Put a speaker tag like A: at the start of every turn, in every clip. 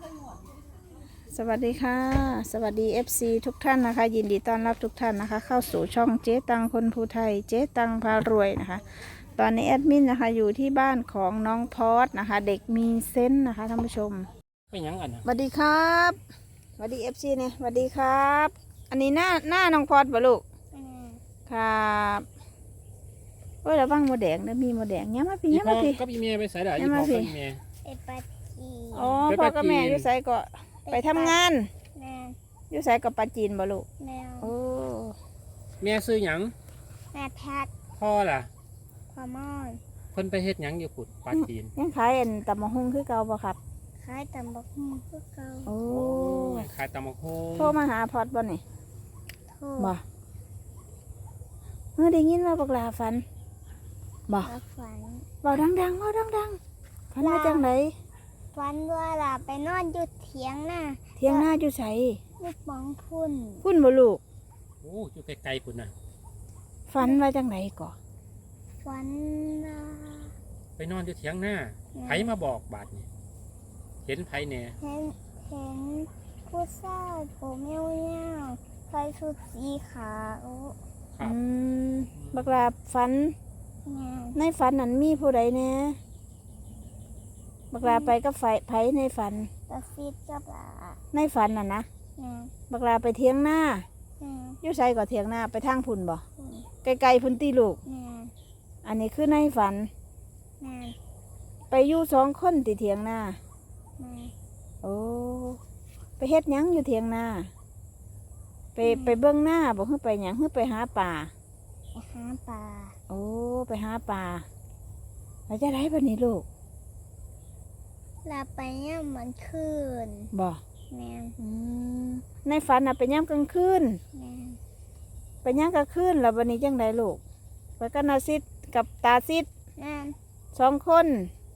A: สวัสดีค่ะสวัสดี FC ทุกท่านนะคะยินดีต้อนรับทุกท่านนะคะเข้าสู่ช่องเจ๊ตังคนภูไทยเจ๊ตังพารวยนะคะตอนนี้แอดมินนะคะอยู่ที่บ้านของน้องพอดนะคะเด็กมีเซนส์นะคะท่านผู้ชม
B: เป็นยังกันนะ
A: สวัสดีครับสวัสดี FC เนี่ยสวัสดีครับอันนี้หน้าน้องพอดบ่ลูกครับโอ้ยระวังโมแดงนะมีโมแดงเนี้ยมาพี่เนี้ยมาพี่
B: ก็พี่เมียไปใส่ได้
A: เนี่ย
B: ยี่
A: มา
B: พ่อ
A: สิ
B: ก็พี่เมีย
C: ไปปาจี
A: อ๋อ
B: ไป
A: พ่อ
B: ปา
A: กับ
B: จีน
A: แม่อยู่ไสก็ไปทำงาน
C: แม่
A: อยู่ไสกับปาจีนบ่ลูก
C: แมว
A: โอ้
B: เมียซื้อหยัง
C: แม่แพทย์
B: พ่อล่ะ
C: พอมอน
B: เพิ่นไปเฮ็ดหยังอยู่ปุดปาจีน
A: ยังขายอันตำมะฮุ่งคือเก่าบ่ครับ
C: ขายตำบักหุ่งคือเก่า
A: โอ้
B: โอ้ยขายตำบักหุ่ง
A: โทรมาหาพอดบ่นี่
C: โทษ
A: บ่ได้ยินว่าบักลาฝันบ่
C: รับฝัน
A: เว้าดังๆเว้าดังๆฝันว่าจังได
C: ฝันว่าล่ะไปนอนอยู่เถียงน่ะ
A: เที่ยงหน้าอยู่ไส
C: ลูกบองพุ่น
A: พุ่นบ่ลูก
B: โอ้อยู่ไกลๆพุ่นน่ะ
A: ฝันว่าจังไดก่อ
C: ฝันว่า
B: ไปนอนอยู่เถียงหน้าไผมาบอกบาดนี่เห็นไผแหน่
C: เห็นผู้ชายผมยาวๆใส่ชุดสีขาว
B: ครับ
A: บักลาฝัน
C: แม่
A: ในฝันนั้นมีผู้ใดแหน่บักลาไปกับไผในฝัน
C: ตะฟิดกับหลา
A: ในฝันน่ะนะ
C: แม่
A: บักลาไปเที่ยงหน้า
C: แม่
A: อยู่ไสก็เที่ยงหน้าไปทางพุ่นบ่
C: พุ่น
A: ไกลๆพุ่นติลูก
C: แม่
A: อันนี้คือในฝัน
C: แม่
A: ไปอยู่2 คนติเถียงหน้า
C: แม่
A: โอ้ไปเฮ็ดหยังอยู่เถียงนาไปเบื้องหน้าบอกให้ไปหยังให้ไปหาป่า
C: ไปหาปลา
A: โอ้ไปหาป่าแล้วจะได้ปะนี้ลูก
C: ลาไปย่ำมันคืน
A: บ่
C: แม่
A: อืมในฝันน่ะไปย่ำกลางคืน
C: แม่
A: ไปย่ำกลางคืนแล้ววันนี้จังไดลูกไปกันนาซิดกับตาซิด
C: แม่
A: 2 คน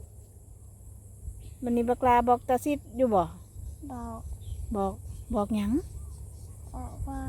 A: วันนี้บักลาบอกตาซิดอยู่บ่
C: บอก
A: บอกหยัง
C: บอกว่า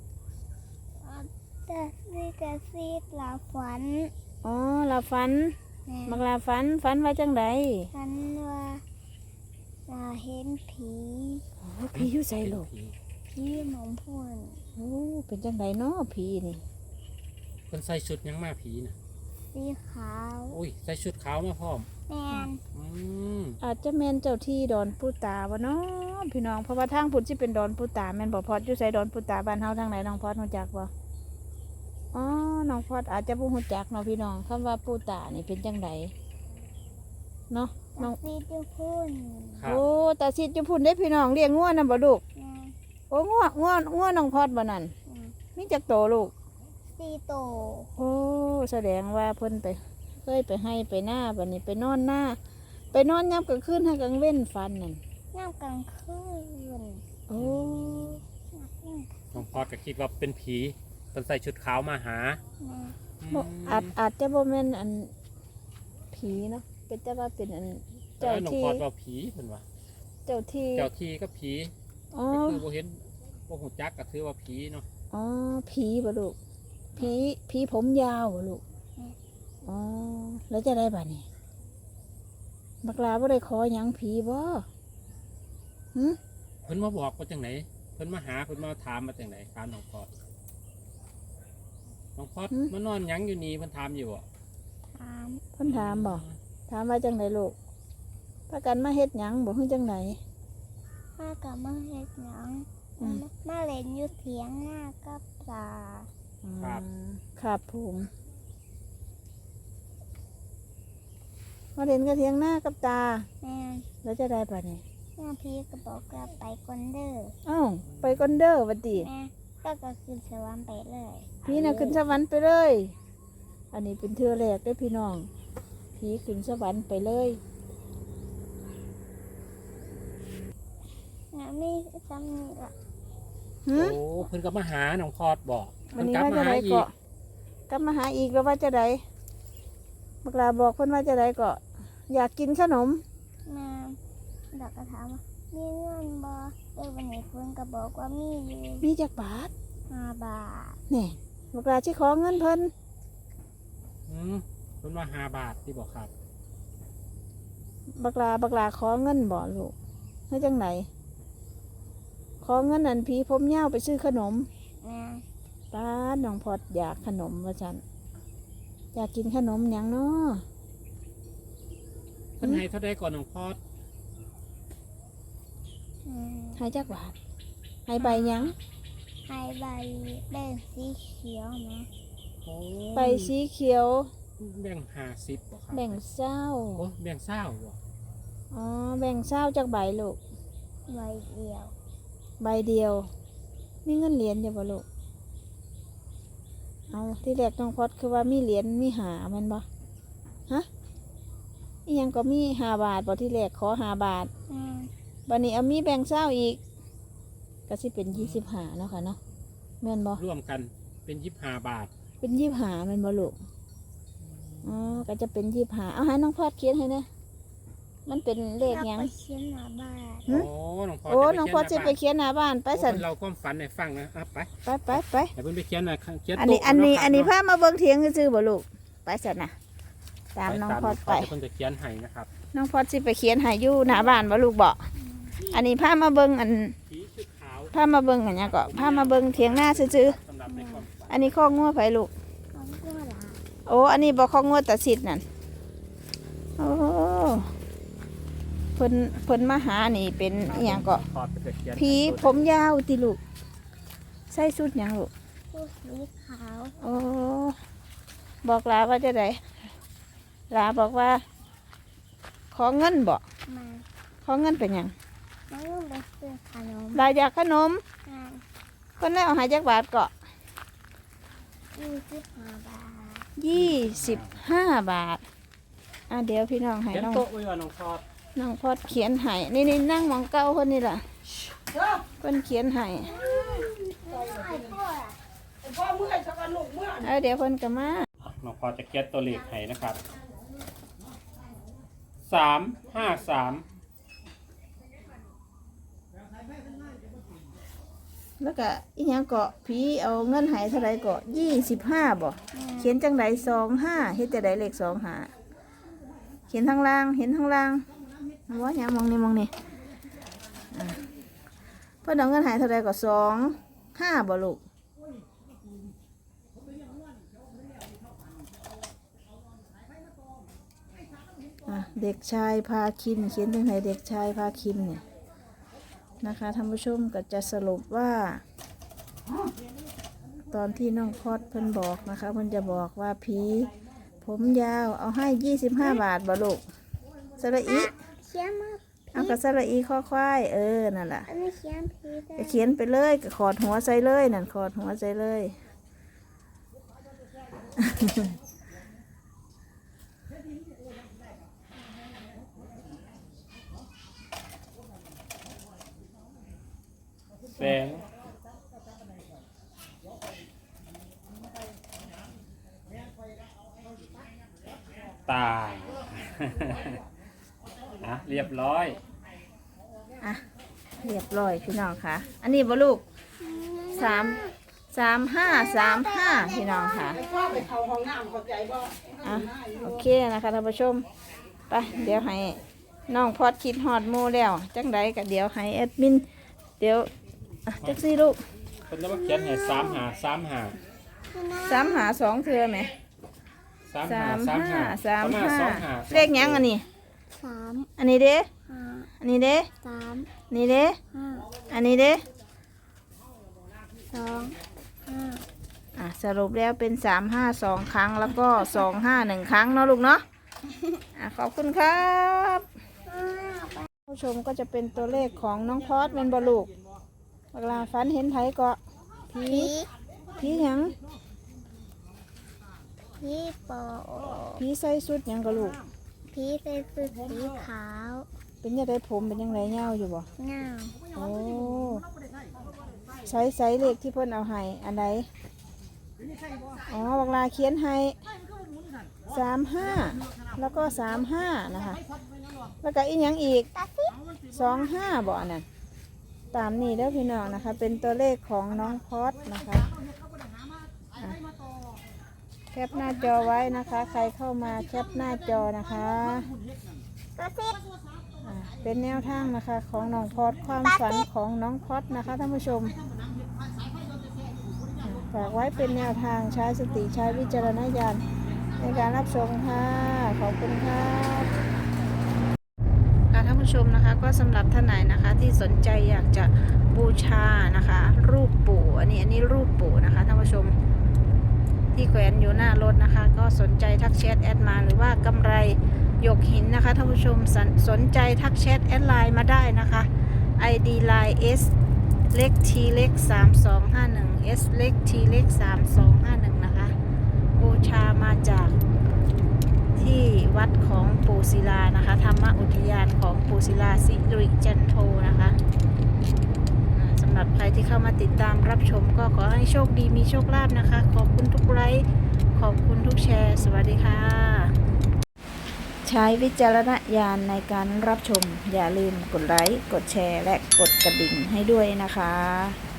C: แต่ซีดลาฝัน
A: อ๋อเราฝัน
C: แม่
A: บักลาฝันว่าจังได
C: ฝันว่าลาเห็นผี
A: โอ้ผีอยู่ใส่ลูก
B: ผี
C: ผีหมอมพุ่น
A: โอ้เป็นจังไดเนาะผีนี่
B: เพิ่นใส่ชุดหยังมาผีน่ะ
C: สีขาว
B: โอ้ยใส่ชุดขาวมาพร้อม
C: แม่น
B: อืม
A: อาจจะแม่นเจ้าที่ดอนปูตาวะเนาะพี่น้องเพราะว่าทางพุ่นสิเป็นดอนปูตาแม่นบ่พอดอยู่ไสดอนปูตาบ้านเฮาทางไหนน้องพอดรู้จักบ่อ๋อน้องพอดอาจจะบ่รู้จักเนาะพี่น้องคำว่าปูตานี่เป็นจังไดเนาะน้
C: ตา
A: อง
C: ซีดอยู่พุ่น
B: ครับ
A: โอ้ตาสิอยู่พุ่นเด้พี่น้องเลี้ยงงัวนํบ่ลูก
C: แม่
A: โอ้งัวน้องพอดบ่นั่น
C: แม่
A: มีจักโตลูก
C: ซีโต
A: โอ้แสดงว่าเพิ่นไปเคยไปให้ไปหน้าบัดนี้ไปนอนหน้า ไปนอนยามกลางคืนให้กลางเว้นฟันนั่น
C: น้ำกลางคืน
A: โอ้
B: น้องพอดก็คิดว่าเป็นผีเพิ่นใส่ชุดขาวมาหา
C: แม่
A: บ่อาจจะบ่แม่นอันผีเนาะเป็นแต่ว่าเป็นอัน
B: แต่
A: เจ้า
B: ว่าน้อง
A: ที่
B: พอดว่าผีเพิ่นว่า
A: เจ้าที่
B: เจ้าที่ก็ผี
A: อ๋อ
B: ก็คือบ่เห็นบ่ฮู้จักก็ถือว่าผีเนาะ
A: อ๋อผีบ่ลูกผีผมยาวบ่ลูกอ๋อแล้วจะได้บัดนี้บักลาบ่ได้ขอหยังผีบ่หึ
B: เพิ่นมาบอกว่าจังไหนเพิ่นมาหาเพิ่นมาถามมาจังไหนถามน้องพอดน้องพอดมานอนหยังอยู่นี่เพิ่นถามอยู่บ่
C: ถาม
A: เพิ่นถามบ่ถามว่าจังไดลูกพากันมาเฮ็ดหยังบ่ฮู้จังได
C: ข้ากับมาเฮ็ดหยัง
A: อืม
C: มาเล่นอยู่เถียงหน้ากับปลา
A: ครับผมมาเล่นกระเทียงหน้ากับตา
C: แม่
A: แล้วจะได้บัดนี้
C: แม่พี่ก็บอกกลับไปก่อนเด้อ
A: เอ้าไปก่อนเด้อบัดนี้
C: แม่ก็ขึ้นสวรรค์ไปเลย
A: พี่น่ะขึ้นสวรรค์ไปเลย อันนี้เป็นเทือแรกได้อพี่น้อง ผีขึ้นสวรรค์ไปเลย
C: นะมีซ้ำนี่ละ
A: หื
B: โอ้
A: ม
B: เพิ่นก็มาหาน้องพอดบอก
A: วัน
B: เพิ่น
A: นี้
B: กลับ
A: ว่า
B: มา
A: จะ
B: หา
A: ได้
B: อีก
A: เกาะกลับมาหาอีกแล้วว่าจะได้บักลาบอกเพิ่นว่าจะได้เกาะอยากกินขนม
C: แม่ดอกก็ถามว่ามีเงินบ่วันนี้เพิ่นก็บอกว่ามีอยู่
A: มีจักบาท
C: 5 บาท
A: นี่บักลาที่ขอเงินเพิ่น
B: เพิ่นว่า5 บาทที่บอกครับ
A: บักลาขอเงินบ่ลูกเฮ้ยจังไหนขอเงินอันผีผมยาวไปซื้อขนม
C: แม่
A: ป้าดน้องพอดอยากขนมว่าจันอยากกินขนมหยังเนาะ
B: เพิ่นให้เท่าใดก่อนน้องพอด
A: ให้จักบาทให้ใบหยัง
C: ให้ใบแบ่งสีเขียวนะ
B: โอ้
A: ใบสีเขียว
B: แบ่ง50บ่ครับ
A: แบ่งเศร้า
B: โอ้แบ่งเศร้าบ่
A: อ๋อแบ่งเศร้าจากใบลูก
C: ใบเดียว
A: ใบเดียวมีเงินเหรียญอยู่บ่ลูกเอาที่แรกน้องพอดคือว่ามีเหรียญมีหาแมันบ่ฮะอีหยังก็มี5 บาทบ่ที่แรกขอ5 บาท บัดนี้เอามีแบ่งเศร้าอีกก็สิเป็น25เนาะค่ะเนาะแม่นบ่
B: ร่วมกันเป็น25 บาท
A: เป็น25แม่นบ่ลูกอ๋อก็จะเป็น25เอาให้น้องพอดเขียนให้นะมันเป็นเลขหยัง
C: ไปเขียนหน้าบ้าน
A: หึ
B: โอ้น้องพอด
A: โอ้น้องพอดสิไปเขียนหน้าบ้านไป
B: ไป
A: สั่น
B: เราความฝันให้ฟังนะไป
A: ไป
B: ให้เพิ่นไปเขียนหน่อยเขียน
A: อันนี้
B: โต๊ะ
A: อันนี้
B: เาะครับ
A: อันนี้
B: เาะ
A: พามาเบิ่งเถียงซื่อๆบ่ลูกไปสั่นน่ะตามน้องพอดไป
B: เพิ่นจะเขียนให้นะครับ
A: น้องพอดสิไปเขียนให้อยู่หน้าบ้านบ่ลูกบ่อันนี้พามาเบิ่งอัน
B: ผีชุดขาว
A: พามาเบิ่งอันเนี้ยก็พามาเบิ่งเถียงหน้าซื่อ
B: สำหรับในความฝัน
A: ๆอันนี้ข้องัวไผลูก
C: ของกูหลา
A: โอ้อันนี้บ่ข้องัวตาสิทธิ์นั่นโอ้เพิ่นมาหานี่เป็นอีหยังก็
B: พอดไปเขียน
A: ผีผมยาวติลูกใส่ชุดหยังลูก
C: ผู้สีขาว
A: โอ้บอกลาว่าจะไดลาบอกว่า ขอเงินบ่
C: มา
A: ขอเงินเป็นหยัง
C: แล้วก็ไปซื้อขนม
A: ลาอยากขนม
C: มา
A: คนได้เอาใหาจักบาทก็
C: 25 บาท
A: 25 บาทเดี๋ยวพี่น้องให้
B: เขียน
A: น้อง
B: โต๊ะไว้ว่าน้องพอด
A: น้องพอดเขียนให้นี่นั่งหมองเก้าคนนี่ล่ะเพิ่นเขียนให้เดี๋ยวเพิ่นก็มา
B: น้องพอดจะเขียนตัวเลขให้นะครับ353
A: แล้วก็อีหยังเกาะผีเอาเงินให้เท่าไรเกาะ25บ่เขียนจังได25เฮ็ดจังไดเลข25เขียนทางล่างเห็นทางล่างว่าหยังมองนี่อ่ะเพิ่นเอาเงินให้เท่าไรก็25บ่ลูกเด็กชายพาคินเขียนจังไดเด็กชายพาคินเนี่ยนะคะท่านผู้ชมก็จะสรุปว่า ตอนที่น้องพอดเพิ่นบอกนะคะเพิ่นจะบอกว่าผีผมยาวเอาให้25 บาทบ่ลูกสระอี
C: เขียนมา
A: เอากระสระอีข้อควายนั่นแหละ
C: อันนี้เขียนผิด
A: ก็เขียนไปเลยก็ขอดหัวใส่เลยนั่นขอดหัวใส่เลย
B: แสงตา เรียบร้อย
A: อ่ะเรียบร้อยพี่น้องค่ะ อันนี้บ่ลูก35พี่น้องค่ะอ่ะโอเคนะคะท่านผู้ชมไปเดี๋ยวให้น้องพอดคิดฮอดหมู่แล้วจังใดก็เดี๋ยวให้แอดมินเดี๋ยวจักซี่ลูก
B: เพิ่นจะมาเขียนให้
A: 3 หา 2เทื่อไหม
B: 35
A: เลขหยังอันนี้
C: 3
A: อันนี้เด้
C: 5
A: อันนี้เด้
C: 3
A: นี่เด้
C: 5
A: อันนี้เด้
C: 2 5
A: สรุปแล้วเป็น352 ครั้งแล้วก็251 ครั้งเนาะลูกเนาะขอบคุณครับผู้ชมก็จะเป็นตัวเลขของน้องพอดเป็นบอลูกเวลาฝันเห็นไผก็ผีหยัง
C: พี่ปอ
A: ผีใส่สุดหยังก็ลูก
C: พี่ใส่ชุดสีขาว
A: เป็นยังไงผมเป็นยังไงเงาอยู่บ่
C: เงา
A: โอ้ใส่เลขที่เพิ่นเอาให้อันใดอ๋อเวลาเขียนให้35แล้วก็35นะคะแล้วก็อีกอย่างอีก25บ่อันนั้นตามนี้แล้วพี่น้องนะคะ เป็นตัวเลขของน้องพอดนะคะแคปหน้าจอไว้นะคะ ใครเข้ามาแคปหน้าจอนะคะ
C: กระซิบ
A: เป็นเป็นแนวทางนะคะ ของน้องพอดความฝันของน้องพอดนะคะท่านผู้ชมฝากไว้เป็นแนวทางใช้สติใช้วิจารณญาณในการรับชมค่ะขอบคุณค่ะท่านผู้ชมนะคะก็สำหรับท่านไหนนะคะที่สนใจอยากจะบูชานะคะ รูปปู่อันนี้รูปปู่นะคะท่านผู้ชมที่แขวนอยู่หน้ารถนะคะ ก็สนใจทักแชทแอดมาหรือว่ากำไรหยกหินนะคะท่านผู้ชมสนใจทักแชทแอดไลน์มาได้นะคะ ID line S เล็ก T เล็ก3251 S เล็ก T เล็ก3251นะคะบูชามาจากที่วัดของปู่ศิลานะคะธรรมอุทยานของปู่ศิลาสิริจันโทนะคะสำหรับใครที่เข้ามาติดตามรับชมก็ขอให้โชคดีมีโชคลาภนะคะขอบคุณทุกไลค์ขอบคุณทุกแชร์สวัสดีค่ะใช้วิจารณญาณในการรับชมอย่าลืมกดไลค์กดแชร์และกดกระดิ่งให้ด้วยนะคะ